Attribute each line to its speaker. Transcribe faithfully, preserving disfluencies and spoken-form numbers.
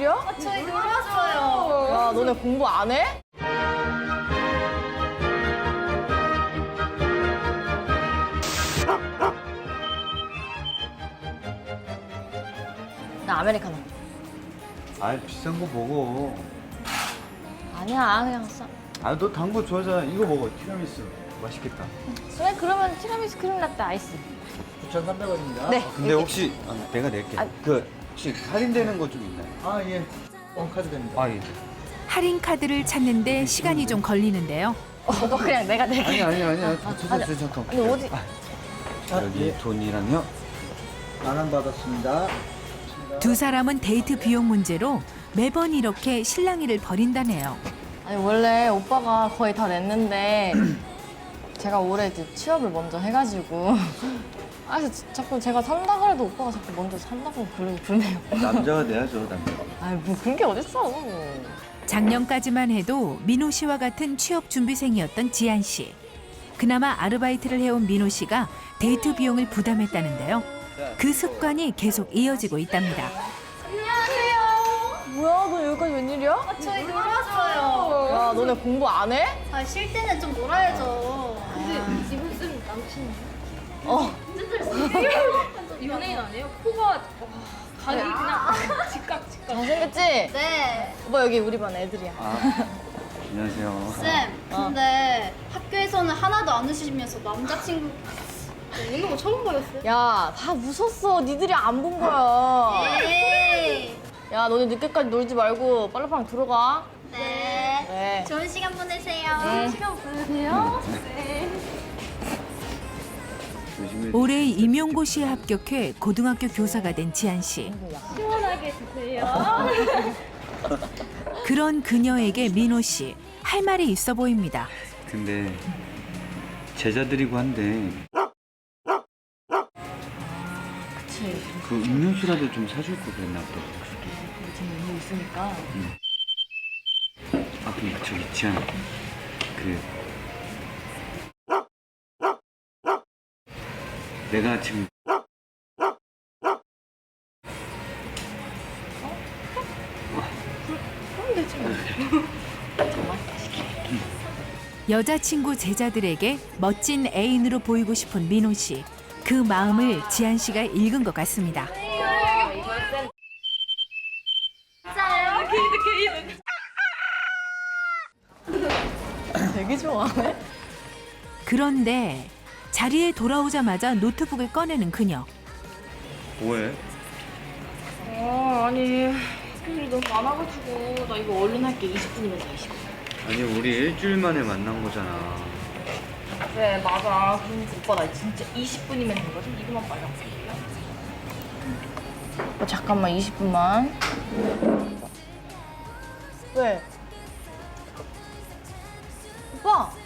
Speaker 1: 웬일이야?
Speaker 2: 아, 저희 놀러 왔어요.
Speaker 1: 야, 너네 공부 안 해? 나 아메리카노.
Speaker 3: 아이 비싼 거 먹어.
Speaker 1: 아니야, 그냥 써.
Speaker 3: 아 너 단 거 좋아하잖아. 이거 먹어. 티라미수 맛있겠다.
Speaker 1: 그래, 그러면 티라미수 크림 라떼 아이스.
Speaker 4: 구천삼백 원입니다.
Speaker 1: 네.
Speaker 3: 근데 혹시 아, 내가 낼게.
Speaker 1: 아.
Speaker 3: 그 혹시 할인되는 거 좀 있나요?
Speaker 4: 아, 예. 원카드 됩니다.
Speaker 3: 아 예.
Speaker 5: 할인 카드를 찾는데 시간이 좀 걸리는데요.
Speaker 1: 오빠 그냥 내가 낼게.
Speaker 3: 아니 아니 아니야. 저, 저, 저, 잠깐.
Speaker 1: 아니, 어디?
Speaker 4: 아,
Speaker 3: 여기
Speaker 4: 예.
Speaker 3: 돈이랑요.
Speaker 4: 만원 받았습니다.
Speaker 5: 두 사람은 데이트 비용 문제로 매번 이렇게 실랑이를 벌인다네요.
Speaker 1: 아니, 원래 오빠가 거의 다 냈는데 제가 올해 이제 취업을 먼저 해가지고 아, 그래서 자꾸 제가 산다 그래도 오빠가 자꾸 먼저 산다고 그러고 그러네요.
Speaker 3: 남자가 내야죠 남자.
Speaker 1: 아니, 뭐 그런 게 어딨어.
Speaker 5: 작년까지만 해도 민호 씨와 같은 취업 준비생이었던 지한 씨. 그나마 아르바이트를 해온 민호 씨가 데이트 비용을 부담했다는데요. 그 습관이 계속 이어지고 있답니다.
Speaker 2: 안녕하세요.
Speaker 1: 뭐야, 너 여기까지 웬일이야?
Speaker 2: 아, 저희 놀러 왔어요.
Speaker 1: 야, 너네 공부 안 해?
Speaker 2: 아, 쉴 때는 좀 놀아야죠. 근데 이분 쓴 남친
Speaker 1: 어.
Speaker 2: 연예인 아니에요? 코가 와, 각이 그냥 직각 직각.
Speaker 1: 잘생겼지?
Speaker 2: 네.
Speaker 1: 오빠 여기 우리 반 애들이야.
Speaker 3: 아 안녕하세요.
Speaker 2: 쌤, 근데 학교에서는 하나도 안 웃으시면서 남자친구 있는 거 처음 보였어요.
Speaker 1: 야, 다 웃었어. 니들이 안 본 거야.
Speaker 2: 에이.
Speaker 1: 야, 너네 늦게까지 놀지 말고 빨리빨리 들어가.
Speaker 2: 네.
Speaker 1: 네.
Speaker 2: 좋은 시간 보내세요.
Speaker 1: 네.
Speaker 2: 시간 보내세요. 네.
Speaker 3: 조심해.
Speaker 5: 올해 임용고시에 합격해 고등학교 교사가 된 지한 씨.
Speaker 2: 시원하게 드세요.
Speaker 5: 그런 그녀에게 민호 씨 할 말이 있어 보입니다.
Speaker 3: 근데 제자들이고 한데
Speaker 1: 그치.
Speaker 3: 그 음료수라도 좀 사줄 거 그랬나 보다.
Speaker 1: 지금 의미 있으니까.
Speaker 3: 아 근데 저기 지한 그 내가 지금
Speaker 5: 여자친구 제자들에게 멋진 애인으로 보이고 싶은 민호 씨. 그 마음을 지한 씨가 읽은 것 같습니다.
Speaker 1: 되게 좋아하네.
Speaker 5: 그런데 자리에 돌아오자마자 노트북을 꺼내는 그녀.
Speaker 3: 뭐해?
Speaker 1: 어, 아니, 할 일이 너무 많아가지고 나 이거 얼른 할게. 이십 분이면 돼, 이십 분.
Speaker 3: 아니 우리 일주일 만에 만난 거잖아.
Speaker 1: 그래, 맞아. 그러니까 오빠 나 진짜 이십 분이면 되거든. 이거만 빨리 할게. 오빠 잠깐만, 이십 분만. 왜? 오빠!